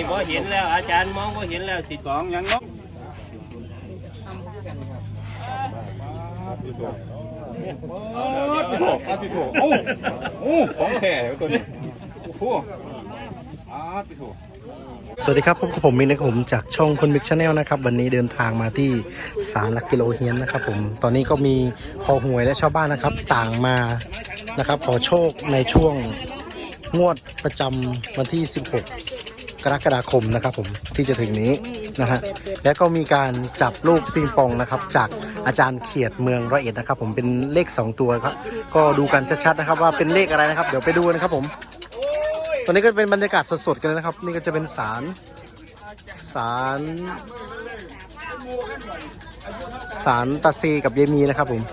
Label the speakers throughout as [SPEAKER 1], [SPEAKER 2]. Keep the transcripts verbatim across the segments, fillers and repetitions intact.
[SPEAKER 1] พอเห็นแล้วอาจารย์มองพอเห็นแล้วสิ
[SPEAKER 2] สองยังงโอ้ติโถอาติโถโอ้โอ้ของแท้ตัวนี้โอ้โหอาติโถ
[SPEAKER 3] สวัสดีครับพบกับผมมินนะครับผมจากช่องคนมิกชาแนลนะครับวันนี้เดินทางมาที่ศาลหลักกิโลเฮียนนะครับผมตอนนี้ก็มีคอหวยและชาวบ้านนะครับต่างมานะครับขอโชคในช่วงงวดประจำวันที่สิบหกกรกฎาคมนะครับผมที่จะถึงนี้นะฮะและก็มีการจับลูกปิงปองนะครับจากอาจารย์เขียดเมืองร้อยเอ็ดนะครับผมเป็นเลขสองตัวครับก็ดูกันชัดๆนะครับว่าเป็นเลขอะไรนะครับเดี๋ยวไปดูนะครับผมตอนนี้ก็เป็นบรรยากาศสดๆกันเลยนะครับนี่ก็จะเป็นศาลศาลศาลตาเซกับเยมีนะครับผม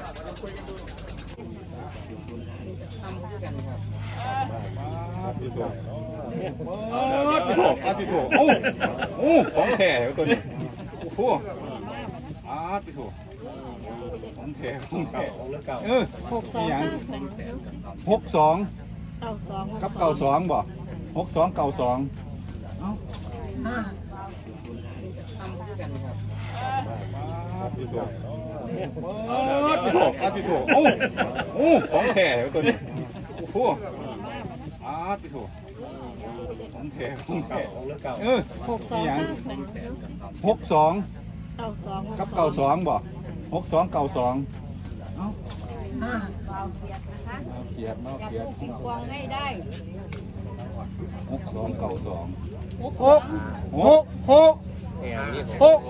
[SPEAKER 2] อาติโถอาติโถโอ้โอ้ของแท้ตัวนี้โอ้โหอาติโถของแท้ของแท้เออหกสองหกสองเก้าสองกับเก้าสองบ่หกสองเก้าสองเอ้าอาติโถอาติโถอาติโถโอ้โอ้ของแท้ตัวนี้โอ้โหอาติโถของแท้ของแท้เออหกสองหกสองเก้าสองกับเก้าสองบ่หกสองเก้าสองเอ้าเขียดเนาะเขียดปิงปองให้ได้หกสองเก้าสองหกหกหกหกหก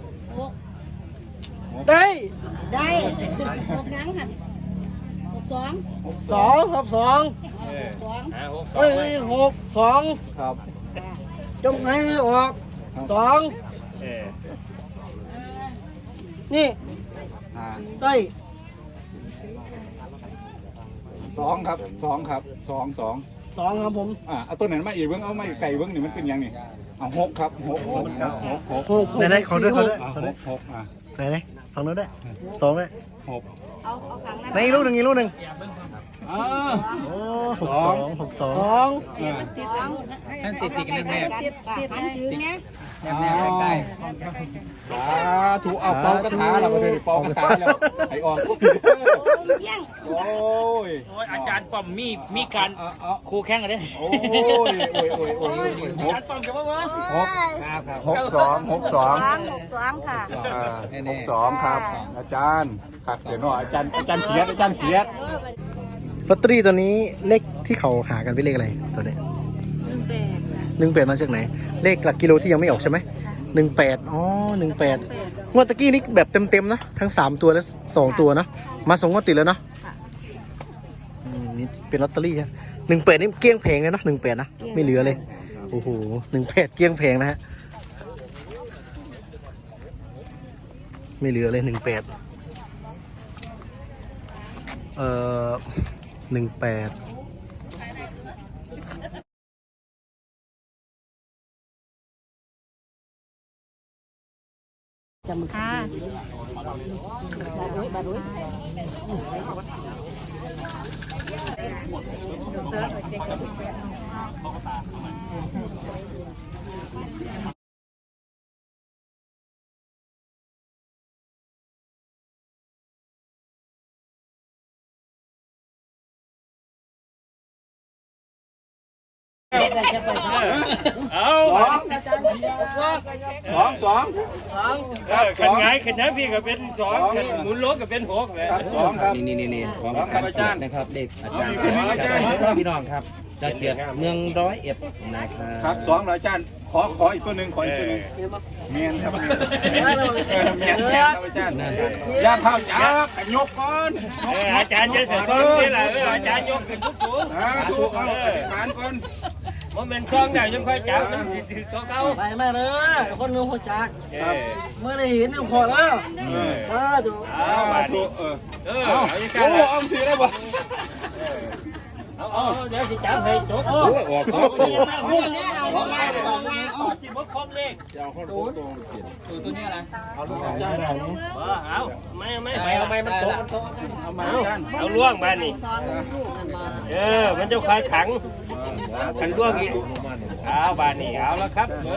[SPEAKER 2] ได้
[SPEAKER 4] ได้หกยังหันหกสอง
[SPEAKER 3] สองครับสอง
[SPEAKER 4] สอง
[SPEAKER 3] เฮ้ยหกสอง
[SPEAKER 2] ครับ
[SPEAKER 3] จงให้ออกสองนี่ได้
[SPEAKER 2] สองครับสองครับสองสอง
[SPEAKER 3] สองครับผม
[SPEAKER 2] อ่าเอาตัวไหนมาอีกเบิ้งเอาไม่ไก่เบิ้งนี่มันเป็นยังนี่เอาหกครับหกหกหกหกหก
[SPEAKER 3] ไหนไหนขอด้วยขอด้วย
[SPEAKER 2] หกหกอ่ะ
[SPEAKER 3] ไหนไหนฟังนู้นได้สองเลย
[SPEAKER 2] หก
[SPEAKER 4] เอาเอาขังนั้น
[SPEAKER 3] ในลูกหนึ่งอีกลูกหนึ่ง
[SPEAKER 2] อ่า
[SPEAKER 3] โอ้หกสองหกสองสอง
[SPEAKER 4] ให้ติดติดกันแน่ติดติดถือเนี้ย
[SPEAKER 2] แนบแนบใกล้ๆสาธุเอาเป่ากระถาเราก็เลยเป่ากระถาแล้วไอ้ออกโอ้ย
[SPEAKER 1] โอ้ยอาจารย์ป้อมมีมีการคู่แข่งกันเด้
[SPEAKER 2] โอ้ยโอ้ยโอ้ยโอ้ย
[SPEAKER 1] อาจารย์ป้อมจะว่าว่า
[SPEAKER 2] หกหกสองหกสอง
[SPEAKER 4] หกสองค่ะ
[SPEAKER 2] หกสองครับอาจารย์ครับเดี๋ยวหน่อยอาจารย์อาจารย์เขียดอาจารย์เขียด
[SPEAKER 3] ลอตเตอรี่ตัวนี้เลขที่เขาหากันเป็นเลขอะไรตัวนี้หนึ่งแปดหนึ่งแปดมาจากไหนเลขหลักกิโลที่ยังไม่ออกใช่ไหมหนึ่งแปดอ๋อหนึ่งแปดงวดตะกี้นี่แบบเต็มๆนะทั้งสามตัวและสองตัวนะมาสองงวดติดแล้วเนาะนี่เป็นลอตเตอรี่ฮะหนึ่งแปดนี่เกลี้ยงแพงเลยนะหนึ่งแปดนะไม่เหลือเลยโอ้โหหนึ่งแปดเกลี้ยงแพงนะฮะไม่เหลือเลยหนึ่งแปดเอ่อหนึ่งแปด
[SPEAKER 4] จำค่ะบาดุยบาดุย
[SPEAKER 1] เอา
[SPEAKER 2] สองสอง
[SPEAKER 1] สองขันไงขันนั้นพี่ก็เป็นสองหมุนโลกก็เป็นหกเลย
[SPEAKER 2] สองครับ
[SPEAKER 5] นี่นี่นี่นี่ของอาจารย์นะครับเด็กอาจารย์
[SPEAKER 2] อาจารย์
[SPEAKER 5] พี่น้องครับจะเกียรติเมืองร้อยเอ็ดนะครับ
[SPEAKER 2] ครับสองอาจารย์ขอขออีกตัวหนึ่งขออีกตัวหนึ่งเมียนครับเมียนเมียนครับอาจารย์ยาเผาจ้าขยกก่อน
[SPEAKER 1] อาจารย์จะเสร็จซ้อมนี่แหละอาจารย์ยกขึ้นทุกสูง
[SPEAKER 2] ถูกเอาฐานก่อน
[SPEAKER 1] มันเป็นช่องได้ยังค่อยจับมันสิถือเขาเขา
[SPEAKER 3] ไปแม่เลยคนนึงหัวจักเมื่อได้เห็นนึงพอแล้วเออดู
[SPEAKER 1] เอามาดูเออเออเอา
[SPEAKER 2] โอ้เอาสีได้บ่
[SPEAKER 1] เอาเอาเดี๋ยวสิจับให้จบโอ้
[SPEAKER 2] ออก
[SPEAKER 1] เอาเอาเอาสิบ่ครบเลข
[SPEAKER 2] จะเอาข้าวโพดตัวเขียน
[SPEAKER 5] ตัวตัวนี้อะไร
[SPEAKER 2] เอาลูกเอาจ้าเอา
[SPEAKER 1] บ่เอาไม่ไม่
[SPEAKER 5] ไม่เอาไม่มันโตมันโต
[SPEAKER 2] เอามา
[SPEAKER 1] เอา
[SPEAKER 2] กัน
[SPEAKER 1] เอาล่วงบ้านนี่
[SPEAKER 4] ซ้อนลูกนั่นบ่
[SPEAKER 1] เออมันจะคายขังขันล่วงอีกเอาบ้านนี่เอาแล้วครับ